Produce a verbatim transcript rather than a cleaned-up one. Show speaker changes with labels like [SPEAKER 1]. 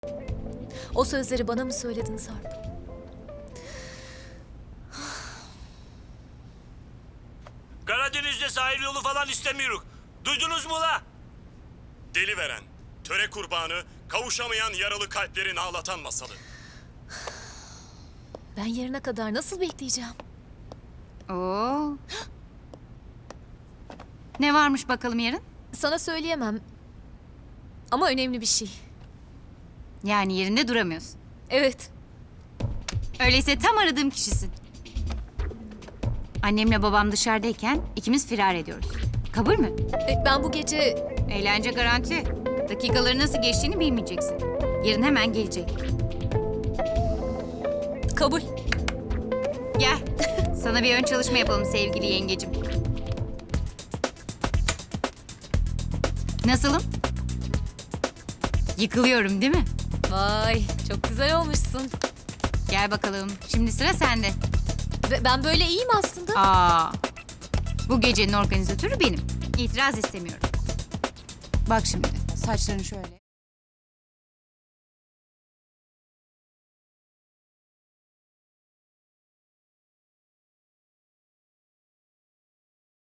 [SPEAKER 1] O sözleri bana mı söyledin Sarp?
[SPEAKER 2] Karadeniz'de sahil yolu falan istemiyoruz. Duydunuz mu la?
[SPEAKER 3] Deli veren, töre kurbanı, kavuşamayan yaralı kalplerin ağlatan masalı.
[SPEAKER 1] Ben yarına kadar nasıl bekleyeceğim?
[SPEAKER 4] Oo. Ne varmış bakalım yarın?
[SPEAKER 1] Sana söyleyemem. Ama önemli bir şey.
[SPEAKER 4] Yani yerinde duramıyorsun.
[SPEAKER 1] Evet.
[SPEAKER 4] Öyleyse tam aradığım kişisin. Annemle babam dışarıdayken ikimiz firar ediyoruz. Kabul mü?
[SPEAKER 1] E, Ben bu gece...
[SPEAKER 4] Eğlence garanti. Dakikaları nasıl geçtiğini bilmeyeceksin. Yarın hemen gelecek.
[SPEAKER 1] Kabul.
[SPEAKER 4] Gel. Sana bir ön çalışma yapalım sevgili yengecim. Nasılım? Yıkılıyorum değil mi?
[SPEAKER 1] Vay, çok güzel olmuşsun.
[SPEAKER 4] Gel bakalım. Şimdi sıra sende.
[SPEAKER 1] Ve ben böyle iyiyim aslında.
[SPEAKER 4] Aa. Bu gecenin organizatörü benim. İtiraz istemiyorum. Bak şimdi saçlarını şöyle.